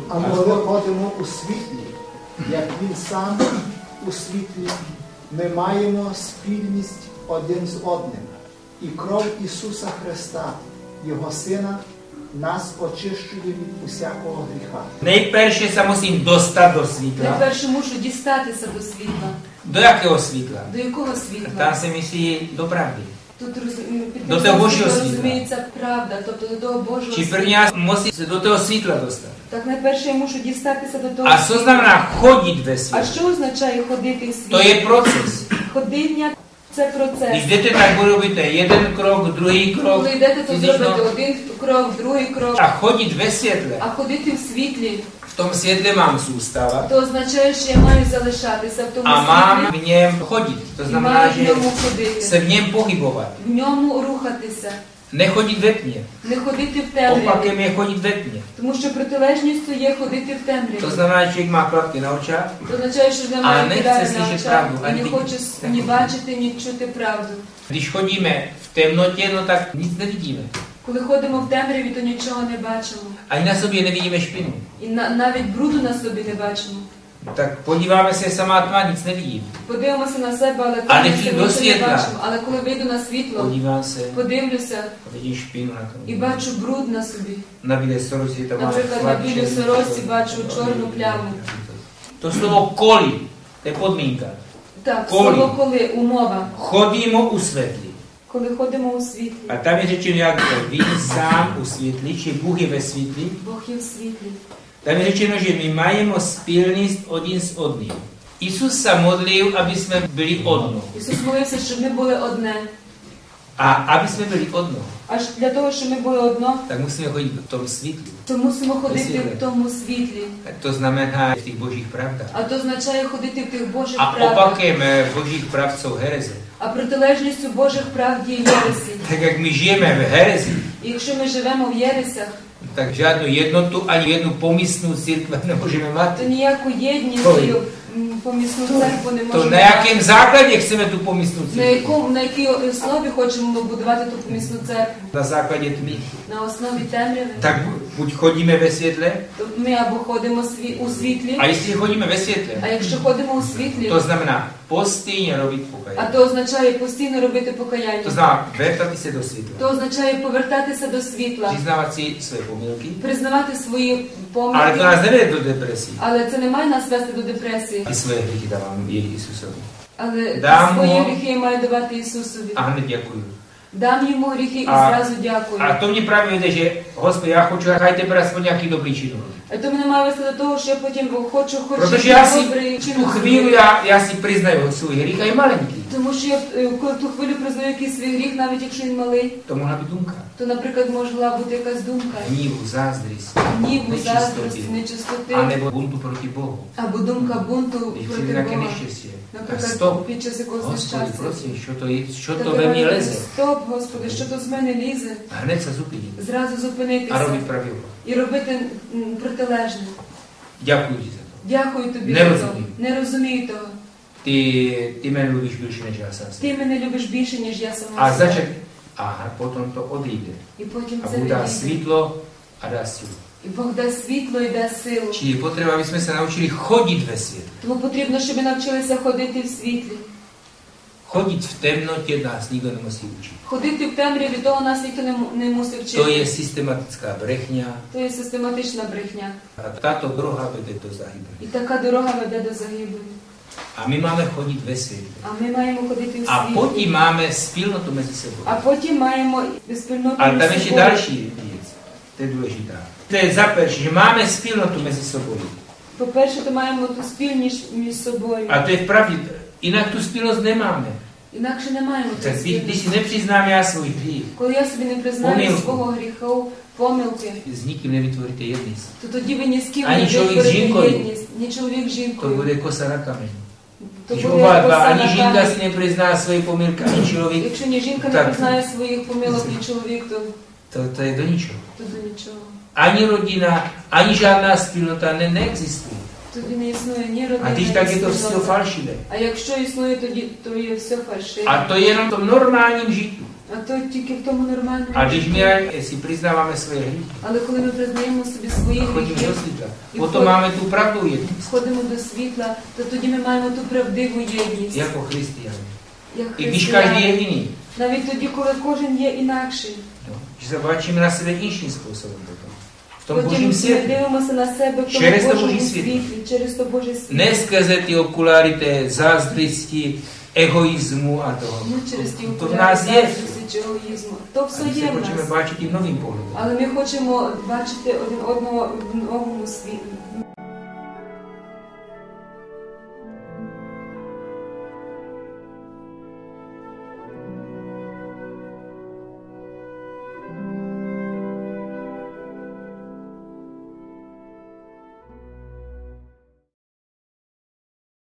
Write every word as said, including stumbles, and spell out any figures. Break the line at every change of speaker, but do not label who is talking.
А коли ходимо у світлі, як Він сам у світлі, ми маємо спільність один з одним. І кров Ісуса Христа, Його Сина, нас очищує від усякого гріха.
Найперше се musím dostat do svітла.
Найперше мушу дістатися до світла.
До якого світла?
До якого світла?
Там се myslí do pravdy.
Тут під
До того Божого світла.
розуміється правда, тобто до того Божого
Či
світла.
první já musím se do toho svítla dostat.
Так найперше я мушу дістатися до того
A co znamená chodit ve
А
světě?
що означає ходити в
To
світлі?
je proces.
Ходіння – це процес.
Když jdete, tak budu робити jeden krok, druhý krok,
Коли йдете, то
fyzično.
зробите один крок, другий крок.
A chodit ve světle.
А ходити в світлі,
V tom světle mám zůstávat.
то означає, що я маю залишатися в тому
A mám
світлі
v něm chodit. To
і
znamená,
маю в
že
ньому ходити,
se v něm pohybovat.
в ньому рухатися,
Nechodit ve tmě.
не ходити в темряві.
Opakem je chodit ve tmě.
Тому що протилежністю є ходити в
To
темряві.
znamená, že člověk má klapky na očách
Це означає, що
А
немає
не
кидаю
chce
на
slyšet
очах
pravdu,
і
ani
не
vidět.
хоче ні бачити, ні чути правду.
Když chodíme v temnotě, no tak nic nevidíme.
Коли ходимо в темряві, то нічого не бачимо.
Ani na sobě nevidíme špinu.
І на, навіть бруду на собі не бачимо.
Tak podíváme se, samá tma, nic nevidím.
Подивимося на себе, але
А не
там
ті
нічого
до
не
світла.
бачимо. Але коли вийду на світло,
Podívám se
подивлюся
a vidím špinu na tom.
і бачу бруд на собі.
Na bílé sorosti tam má
Наприклад, на білій сорочці бачу чорну пляму.
To slovo koli, to je podmínka.
Так,
Коли.
слово коли, умова.
Chodíme u světli.
Коли ходимо у світлі,
A tam je řečeno, jak to ví sám u světli, či Bůh je ve světli.
Бог є в світлі.
Tam je řečeno, že my máme spilnost один s одним. Isus se modlil, aby jsme byli одно.
Ісус молився, щоб ми були одне.
A aby jsme byli одно,
Аж для того, щоб ми були одно,
tak musíme chodit v tom světlu.
то мусимо ходити
світлі.
в тому світлі.
Tak to znamená v těch božích pravdách.
А то означає ходити в тих Божих
A
правдах.
opakem eh, božích pravd jsou hereze.
А протилежністю Божих правд є єресі.
Tak jak my žijeme v herezi,
І якщо ми живемо в єресях,
tak žádnou jednotu ani jednu pomyslnou církve nemůžeme
то
mít.
ніяку єдність
Ой.
і м, помісну церкву не
To
можемо
na
мати.
jakém základě chceme tu pomyslnou
На
církev?
якому, на якій основі хочемо будувати ту помісну церкву?
Na základě tmy.
На основі темряви.
Tak buď chodíme ve světle,
То ми або ходимо сві- у світлі,
a jestli chodíme ve světle,
а якщо ходимо у світлі,
to znamená postejně robit
а
pokajání.
то означає постійно робити
To
покаяння.
znamená vrtati se do světla.
То означає повертатися до світла,
Přiznávat si své pomylky,
признавати свої
ale to
помилки,
nás nevede do depresí.
але це не має нас вести до депресії.
Ty svoje hříchy dávám Ježíšovi.
Але
Дам
свої
му-
гріхи я маю давати Ісусові.
A hned děkuju.
Дам йому гріхи і
А-
зразу дякую.
A to mě právě vede, že Господи, já хочу, хай тепер aspoň nějaký dobrý čin.
А то мене має вести до того, що я потім хочу хоч
Protože já si
добрий
tu
чинок
chvíli,
зробити.
já, já si признаю svůj hřích a je malinký.
Тому що я е, коли в ту хвилю признаю якийсь свій гріх, навіть якщо він малий,
To mohla být dumka.
то, наприклад, могла бути якась думка.
Hnívu, zázdrist,
Гніву,
Нечистоти.
заздрості, нечистоти,
a nebo buntu proti Bohu.
або думка бунту
Když
проти
přijde nějaké
Бога.
neštěstí, tak
Наприклад,
stop.
під час якогось
Господи,
нещастя.
prosím, що то, є- що
Та
to ve mně
давай,
leze?
Стоп, Господи, що то з мене лізе?
A hned se zupinit
Zразу
a
зупинитися
robit pravý opak.
і робити м, протилежне.
Děkuji ti za to.
Дякую тобі
Не
за
розумію.
то. Не розумію того.
Ty, ty mě mluvíš bільше, než já sám.
Ти мене любиш більше, ніж я сама
A
себе.
začat, a potom to odejde.
І потім
A
це
Bůh dá
відійде.
svítlo a dá sílu.
І Бог дасть світло і дасть силу.
Čili je potřeba, aby jsme se naučili chodit ve světle.
Тому потрібно, щоб ми навчилися ходити в світлі.
Chodit v temnotě nás nikdo nemusí učit.
Ходити в темряві, того нас ніхто не, м- не мусив
To je
вчити.
systematická brechňa
То є систематична брехня.
a tato doroha vede do zahybu.
І така дорога веде до загибелі.
A my máme chodit ve světle.
А ми маємо ходити в
A
світлі.
potom máme spilnotu mezi sebou.
А потім маємо спільноту
Ale tam
між
ještě
собою.
další věc. To je důležitá. To je za prvé, že máme spilnotu mezi sebou.
По-перше, то маємо ту спільність між собою.
A to je v pravdě. Jinak tu spilnost nemáme.
Інакше не маємо ту
Tak když, když
спільність.
si nepřiznám já svůj hřích,
Коли я собі не признаю
Помилку.
свого гріху, помилки,
s nikým nevytvoríte jednice.
то тоді ви ні з ким
Ані
не
чоловік з
витворите
жінкою.
єдність, ні чоловік з
To
жінкою.
bude kosa na kameň.
То
Když
буде
oba dva,
коса
ani
на
žínka
камені.
si neprizná svoje pomilky, ani člověk,
Якщо ні жінка не
Так.
признає своїх помилок, ні чоловік, то,
to, to je do ničeho.
то до нічого.
Ani rodina, ani žádná spilnota ne, neexistuje.
Тоді не існує ні
A
родини,
když
ні
tak je to
спільноти.
все falšivé.
А якщо існує, тоді то є все фальшиве.
A to je jenom v tom normálním žitu.
А то тільки в тому нормальному.
A když
житті.
my si přiznáváme svoje hříchy,
Але коли ми признаємо собі свої
chodíme
гріхи,
do světla,
І
potom
вход-
máme tu pravdu jednost,
входимо до світла, то тоді ми маємо ту правдиву єдність,
jako Christiani.
як
I když každý je
християни.
jiný,
Навіть тоді, коли кожен є інакший.
no, že se obračíme na sebe inším způsobem potom. V tom
Потім
božím
ми
světě.
дивимося на себе в
Через
тому
то
Божому
Божий світ.
світлі, через то Боже світло.
Ne skrze ty okuláry té zázdristi, egoismu a toho.
Не через ті
To v nás je.
заздрості чи егоїзму. То
A
все
my se
є в
хочeme
нас.
báčit tím novým pohledem.
Але ми хочемо бачити один одного в новому світлі.